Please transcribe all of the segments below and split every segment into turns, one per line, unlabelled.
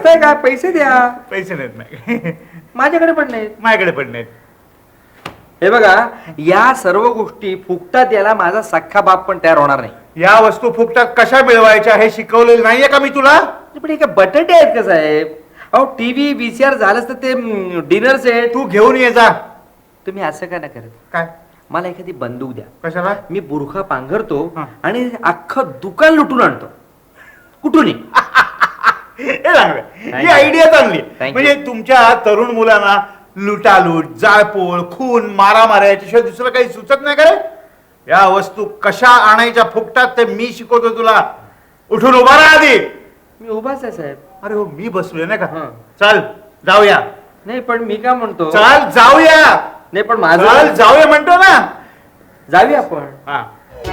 हसताय का? पैसे द्या.
पैसे नाहीत नाही.
माझ्याकडे पण नाहीत.
माझ्याकडे पण नाहीत.
हे बघा, या सर्व गोष्टी फुकटात याला माझा सख्खा बाप पण तयार होणार नाही.
या वस्तू फुकटात कशा मिळवायच्या हे शिकवलेलं नाहीये का मी तुला?
पण हे काय बटाटे आहेत का साहेब? अहो टीव्ही VCR झालंच तर ते डिनर सेट
तू घेऊन ये जा.
तुम्ही असं का नाही करत?
काय?
मला एखादी बंदूक द्या.
कशाला?
मी बुरखा पांघरतो
हा.
आणि अख्खं दुकान लुटून आणतो. कुठूनही.
हे चांगलं. ही
Thank you.
आयडिया चांगली.
Thank you.
म्हणजे तुमच्या तरुण मुलांना लुटालूट, जाळपोळ, खून, मारामाऱ्या याच्याशिवाय दुसरं काही सुचत नाही का रे? या वस्तू कशा आणायच्या फुकटात ते मी शिकवतो तुला. उठून उभा राहा आधी.
मी उभाच आहे साहेब.
अरे हो, मी बसलोय ना का?
हा.
चल जाऊया.
नाही पण मी काय म्हणतो,
चल जाऊया.
नाही पण
चल
माझं
जाऊया म्हणतो ना.
जाऊया आपण.
हा.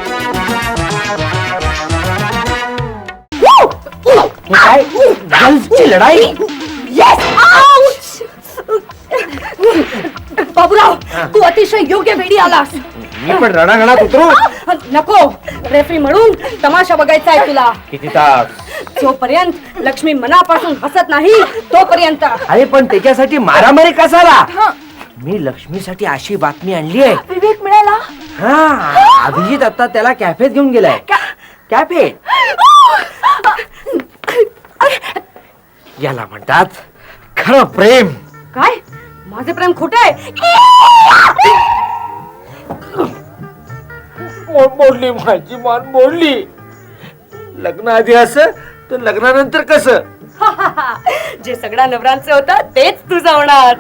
काय गर्ल्सची लढाई?
बाबूराव, तू अतिशय योग्य वेळी आलास.
मी पण रणांगणात उतरू.
नको, रेफरी म्हणून तमाशा बघायचा आहे तुला.
किती तास?
जोपर्यंत लक्ष्मी मनापासून हसत नाही तोपर्यंत.
अरे पण त्याच्यासाठी मारामारी कसाला? मी लक्ष्मीसाठी अशी बातमी आणली आहे.
विवेक मिळाला.
हा, अभिजित आता त्याला कॅफेत घेऊन गेलाय. कॅफे याला म्हणतात खरं प्रेम.
काय? माझे प्रेम खोटे आहे?
मोडली माझी मान मोडली. लग्न आधी असं तर लग्नानंतर कसं?
जे सगळ्या नवरांचं होतं तेच तुझं होणार.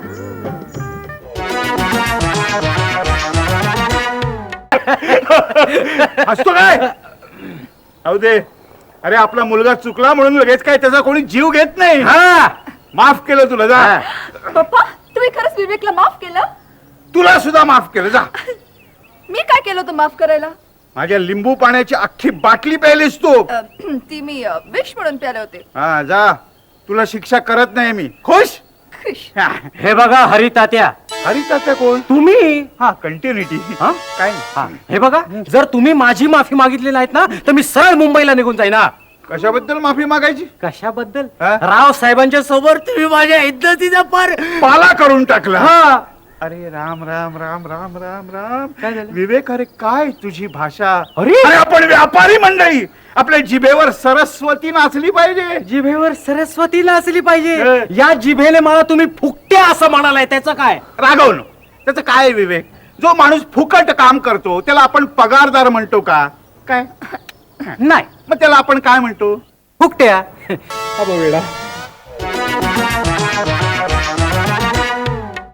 हसतो काय? अहो दे. अरे आपला मुलगा चुकला म्हणून लगेच काय त्याचा कोणी जीव घेत नाही.
हा,
माफ केलं तुला, जा.
पप्पा, तुम्ही खरंच विवेकला माफ केलं?
तुला सुद्धा माफ केलं, जा.
मी काय केलं होतं माफ करायला?
माझ्या लिंबू पाण्याची अख्खी बाटली प्यायलीस तू.
ती मी विश म्हणून प्याले होते.
हा, जा. तुला शिक्षा करत नाही मी. खुश? हा.
हे बघा हरितात्या.
हरितात्या कोण?
तुम्ही.
हा, कंटिन्युटी.
हा?
काय
हा, हे बघा, जर तुम्ही माझी माफी मागितली नाहीत ना तर मी सरळ मुंबईला निघून जाईन. ना
कशाबद्दल माफी मागायची?
कशाबद्दल?
हा?
राव साहेबांच्या समोर तुम्ही माझ्या इज्जतीचा पार
पाला करून टाकला.
हा.
अरे राम राम राम राम राम राम.
काय झालं?
विवेक, अरे काय तुझी भाषा.
अरे!
आपण व्यापारी मंडळी. आपल्या जिभेवर सरस्वती नाचली पाहिजे.
जिभेवर सरस्वतीला असली पाहिजे.
हे.
या जिभेने मला तुम्ही फुकट्या असं म्हणालाय, त्याचं काय?
रागवणं त्याचं काय विवेक? जो माणूस फुकट काम करतो त्याला आपण पगारदार म्हणतो का? काय?
नाही,
मग त्याला आपण काय म्हणतो?
फुकट्या.
हा, वेळा.